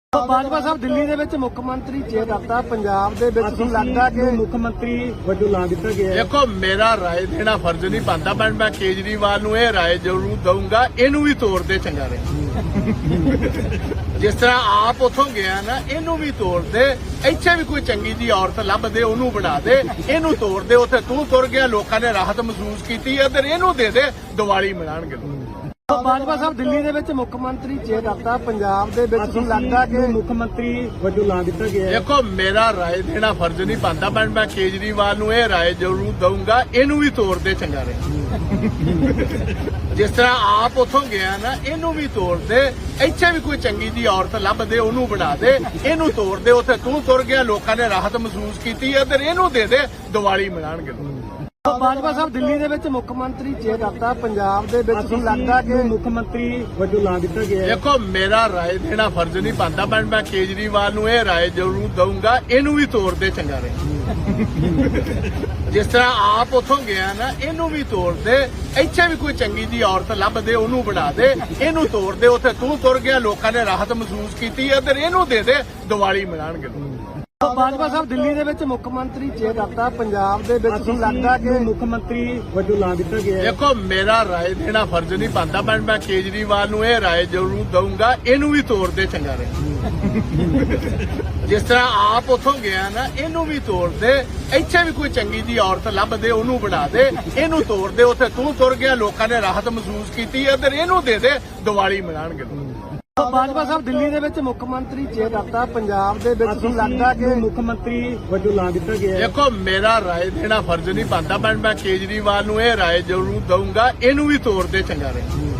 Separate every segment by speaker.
Speaker 1: ਬਾਜਵਾ ਸਾਹਿਬ ਦਿੱਲੀ ਦੇ ਵਿੱਚ ਮੁੱਖ ਮੰਤਰੀ ਚੇਂਜ ਕਰਤਾ ਪੰਜਾਬ ਦੇ ਵਿੱਚ ਤੁਹਾਨੂੰ ਲੱਗਦਾ ਕਿ ਮੁੱਖ ਮੰਤਰੀ ਵਜੋਂ ਲਾ ਦਿੱਤਾ ਗਿਆ ਹੈ।
Speaker 2: ਦੇਖੋ ਮੇਰਾ ਰਾਏ ਦੇਣਾ ਫਰਜ਼ ਨਹੀਂ ਬਣਦਾ ਪਰ ਮੈਂ ਕੇਜਰੀਵਾਲ ਨੂੰ ਇਹ ਰਾਏ ਜ਼ਰੂਰ ਦਊਂਗਾ ਇਹਨੂੰ ਵੀ ਤੋੜ ਦੇ ਚੰਗਾ ਰਹੇ ਜਿਸ ਤਰ੍ਹਾਂ ਆਪ ਉਥੋਂ ਗਿਆ ਨਾ ਇਹਨੂੰ ਵੀ ਤੋੜ ਦੇ ਇੱਥੇ ਵੀ ਕੋਈ ਚੰਗੀ ਜੀ ਔਰਤ ਲੱਭ ਦੇ ਉਹਨੂੰ ਬਣਾ ਦੇ ਇਹਨੂੰ ਤੋੜ ਦੇ ਉੱਥੇ ਤੂੰ ਤੁਰ ਗਿਆ ਲੋਕਾਂ ਨੇ ਰਾਹਤ ਮਹਿਸੂਸ ਕੀਤੀ ਇੱਧਰ ਇਹਨੂੰ ਦੇ ਦੇ ਦੀਵਾਲੀ ਮਨਾਉਣਗੇ
Speaker 1: ਬਾਜਵਾ ਸਾਹਿਬ ਦਿੱਲੀ ਦੇ ਵਿੱਚ ਮੁੱਖ ਮੰਤਰੀ ਚੇਂਜ ਕਰਤਾ ਪੰਜਾਬ ਦੇ ਵਿੱਚ ਤੁਹਾਨੂੰ ਲੱਗਦਾ ਕਿ ਮੁੱਖ ਮੰਤਰੀ ਵਜੋਂ ਲਾ ਦਿੱਤਾ ਗਿਆ ਹੈ।
Speaker 2: ਦੇਖੋ ਮੇਰਾ ਰਾਏ ਦੇਣਾ ਫਰਜ਼ ਨਹੀਂ ਬਣਦਾ ਪਰ ਮੈਂ ਕੇਜਰੀਵਾਲ ਨੂੰ ਇਹ ਰਾਏ ਜ਼ਰੂਰ ਦਊਂਗਾ ਇਹਨੂੰ ਵੀ ਤੋੜ ਦੇ ਚੰਗਾ ਰਹੇ ਜਿਸ ਤਰ੍ਹਾਂ ਆਪ ਉਥੋਂ ਗਿਆ ਨਾ ਇਹਨੂੰ ਵੀ ਤੋੜ ਦੇ ਇੱਥੇ ਵੀ ਕੋਈ ਚੰਗੀ ਜੀ ਔਰਤ ਲੱਭ ਦੇ ਉਹਨੂੰ ਬਣਾ ਦੇ ਇਹਨੂੰ ਤੋੜ ਦੇ ਉੱਥੇ ਤੂੰ ਤੁਰ ਗਿਆ ਲੋਕਾਂ ਨੇ ਰਾਹਤ ਮਹਿਸੂਸ ਕੀਤੀ ਇੱਧਰ ਇਹਨੂੰ ਦੇ ਦੇ ਦੀਵਾਲੀ ਮਨਾਉਣਗੇ
Speaker 1: ਬਾਜਵਾ ਸਾਹਿਬ ਦਿੱਲੀ ਦੇ ਵਿੱਚ ਮੁੱਖ ਮੰਤਰੀ ਚੇਂਜ ਕਰਤਾ ਪੰਜਾਬ ਦੇ ਵਿੱਚ ਤੁਹਾਨੂੰ ਲੱਗਦਾ ਕਿ ਮੁੱਖ ਮੰਤਰੀ ਵਜੋਂ ਲਾ ਦਿੱਤਾ ਗਿਆ ਹੈ।
Speaker 2: ਦੇਖੋ ਮੇਰਾ ਰਾਏ ਦੇਣਾ ਫਰਜ਼ ਨਹੀਂ ਬਣਦਾ ਪਰ ਮੈਂ ਕੇਜਰੀਵਾਲ ਨੂੰ ਇਹ ਰਾਏ ਜ਼ਰੂਰ ਦਊਂਗਾ ਇਹਨੂੰ ਵੀ ਤੋੜ ਦੇ ਚੰਗਾ ਰਹੇ ਜਿਸ ਤਰ੍ਹਾਂ ਆਪ ਉਥੋਂ ਗਿਆ ਨਾ ਇਹਨੂੰ ਵੀ ਤੋੜ ਦੇ ਇੱਥੇ ਵੀ ਕੋਈ ਚੰਗੀ ਜੀ ਔਰਤ ਲੱਭ ਦੇ ਉਹਨੂੰ ਬਣਾ ਦੇ ਇਹਨੂੰ ਤੋੜ ਦੇ ਉੱਥੇ ਤੂੰ ਤੁਰ ਗਿਆ ਲੋਕਾਂ ਨੇ ਰਾਹਤ ਮਹਿਸੂਸ ਕੀਤੀ ਇੱਧਰ ਇਹਨੂੰ ਦੇ ਦੇ ਦੀਵਾਲੀ ਮਨਾਉਣਗੇ
Speaker 1: ਬਾਜਵਾ ਸਾਹਿਬ ਦਿੱਲੀ ਦੇ ਵਿੱਚ ਮੁੱਖ ਮੰਤਰੀ ਚੇਂਜ ਕਰਤਾ ਪੰਜਾਬ ਦੇ ਵਿੱਚ ਤੁਹਾਨੂੰ ਲੱਗਦਾ ਕਿ ਮੁੱਖ ਮੰਤਰੀ ਵਜੋਂ ਲਾ ਦਿੱਤਾ ਗਿਆ ਹੈ।
Speaker 2: ਦੇਖੋ ਮੇਰਾ ਰਾਏ ਦੇਣਾ ਫਰਜ਼ ਨਹੀਂ ਬਣਦਾ ਪਰ ਮੈਂ ਕੇਜਰੀਵਾਲ ਨੂੰ ਇਹ ਰਾਏ ਜ਼ਰੂਰ ਦਊਂਗਾ ਇਹਨੂੰ ਵੀ ਤੋੜ ਦੇ ਚੰਗਾ ਰਹੇ ਜਿਸ ਤਰ੍ਹਾਂ ਆਪ ਉਥੋਂ ਗਿਆ ਨਾ ਇਹਨੂੰ ਵੀ ਤੋੜ ਦੇ ਇੱਥੇ ਵੀ ਕੋਈ ਚੰਗੀ ਜੀ ਔਰਤ ਲੱਭ ਦੇ ਉਹਨੂੰ ਬਣਾ ਦੇ ਇਹਨੂੰ ਤੋੜ ਦੇ ਉੱਥੇ ਤੂੰ ਤੁਰ ਗਿਆ ਲੋਕਾਂ ਨੇ ਰਾਹਤ ਮਹਿਸੂਸ ਕੀਤੀ ਇੱਧਰ ਇਹਨੂੰ ਦੇ ਦੇ ਦੀਵਾਲੀ ਮਨਾਉਣਗੇ
Speaker 1: ਬਾਜਵਾ ਸਾਹਿਬ ਦਿੱਲੀ ਦੇ ਵਿੱਚ ਮੁੱਖ ਮੰਤਰੀ ਚੇਂਜ ਕਰਤਾ ਪੰਜਾਬ ਦੇ ਵਿੱਚ ਤੁਹਾਨੂੰ ਲੱਗਦਾ ਕਿ ਮੁੱਖ ਮੰਤਰੀ ਵਜੋਂ ਲਾ ਦਿੱਤਾ ਗਿਆ ਹੈ।
Speaker 2: ਦੇਖੋ ਮੇਰਾ ਰਾਏ ਦੇਣਾ ਫਰਜ਼ ਨਹੀਂ ਬਣਦਾ ਪਰ ਮੈਂ ਕੇਜਰੀਵਾਲ ਨੂੰ ਇਹ ਰਾਏ ਜ਼ਰੂਰ ਦਊਂਗਾ ਇਹਨੂੰ ਵੀ ਤੋੜ ਦੇ ਚੰਗਾ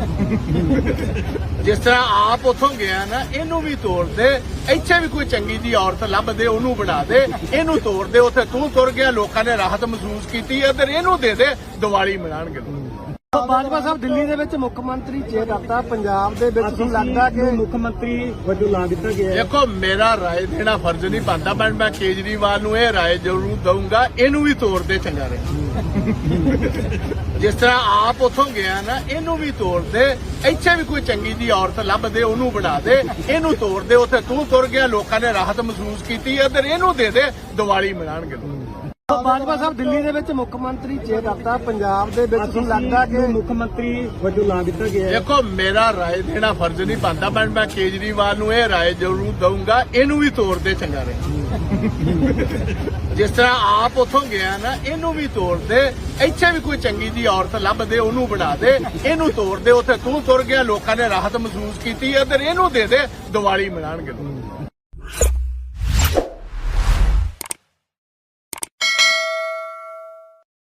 Speaker 2: ਰਹੇ ਜਿਸ ਤਰ੍ਹਾਂ ਆਪ ਉਥੋਂ ਗਿਆ ਨਾ ਇਹਨੂੰ ਵੀ ਤੋੜ ਦੇ ਇੱਥੇ ਵੀ ਕੋਈ ਚੰਗੀ ਜੀ ਔਰਤ ਲੱਭ ਦੇ ਉਹਨੂੰ ਬਣਾ ਦੇ ਇਹਨੂੰ ਤੋੜ ਦੇ ਉੱਥੇ ਤੂੰ ਤੁਰ ਗਿਆ ਲੋਕਾਂ ਨੇ ਰਾਹਤ ਮਹਿਸੂਸ ਕੀਤੀ ਇੱਧਰ ਇਹਨੂੰ ਦੇ ਦੇ ਦੀਵਾਲੀ ਮਨਾਉਣਗੇ
Speaker 1: ਬਾਜਵਾ ਸਾਹਿਬ ਦਿੱਲੀ ਦੇ ਵਿੱਚ ਮੁੱਖ ਮੰਤਰੀ ਚੇਂਜ ਕਰਤਾ ਪੰਜਾਬ ਦੇ ਵਿੱਚ ਤੁਹਾਨੂੰ ਲੱਗਦਾ ਕਿ ਮੁੱਖ ਮੰਤਰੀ ਵਜੋਂ ਲਾ ਦਿੱਤਾ ਗਿਆ ਹੈ।
Speaker 2: ਦੇਖੋ ਮੇਰਾ ਰਾਏ ਦੇਣਾ ਫਰਜ਼ ਨਹੀਂ ਬਣਦਾ ਪਰ ਮੈਂ ਕੇਜਰੀਵਾਲ ਨੂੰ ਇਹ ਰਾਏ ਜ਼ਰੂਰ ਦਊਂਗਾ ਇਹਨੂੰ ਵੀ ਤੋੜ ਦੇ ਚੰਗਾ ਰਹੇ ਜਿਸ ਤਰ੍ਹਾਂ ਆਪ ਉਥੋਂ ਗਿਆ ਨਾ ਇਹਨੂੰ ਵੀ ਤੋੜ ਦੇ ਇੱਥੇ ਵੀ ਕੋਈ ਚੰਗੀ ਜੀ ਔਰਤ ਲੱਭ ਦੇ ਉਹਨੂੰ ਬਣਾ ਦੇ ਇਹਨੂੰ ਤੋੜ ਦੇ ਉੱਥੇ ਤੂੰ ਤੁਰ ਗਿਆ ਲੋਕਾਂ ਨੇ ਰਾਹਤ ਮਹਿਸੂਸ ਕੀਤੀ ਇੱਧਰ ਇਹਨੂੰ ਦੇ ਦੇ ਦੀਵਾਲੀ ਮਨਾਉਣਗੇ
Speaker 1: ਬਾਜਵਾ ਸਾਹਿਬ ਦਿੱਲੀ ਦੇ ਵਿੱਚ ਮੁੱਖ ਮੰਤਰੀ ਚੇਂਜ ਕਰਤਾ ਪੰਜਾਬ ਦੇ ਵਿੱਚ ਤੁਹਾਨੂੰ ਲੱਗਦਾ ਕਿ ਮੁੱਖ ਮੰਤਰੀ ਵਜੋਂ ਲਾ ਦਿੱਤਾ ਗਿਆ ਹੈ।
Speaker 2: ਦੇਖੋ ਮੇਰਾ ਰਾਏ ਦੇਣਾ ਫਰਜ਼ ਨਹੀਂ ਬਣਦਾ ਪਰ ਮੈਂ ਕੇਜਰੀਵਾਲ ਨੂੰ ਇਹ ਰਾਏ ਜ਼ਰੂਰ ਦਊਂਗਾ ਇਹਨੂੰ ਵੀ ਤੋੜ ਦੇ ਚੰਗਾ ਰਹੇ ਜਿਸ ਤਰ੍ਹਾਂ ਆਪ ਉਥੋਂ ਗਿਆ ਨਾ ਇਹਨੂੰ ਵੀ ਤੋੜ ਦੇ ਇੱਥੇ ਵੀ ਕੋਈ ਚੰਗੀ ਜੀ ਔਰਤ ਲੱਭ ਦੇ ਉਹਨੂੰ ਬਣਾ ਦੇ ਇਹਨੂੰ ਤੋੜ ਦੇ ਉੱਥੇ ਤੂੰ ਤੁਰ ਗਿਆ ਲੋਕਾਂ ਨੇ ਰਾਹਤ ਮਹਿਸੂਸ ਕੀਤੀ ਇੱਧਰ ਇਹਨੂੰ ਦੇ ਦੇ ਦੀਵਾਲੀ ਮਨਾਉਣਗੇ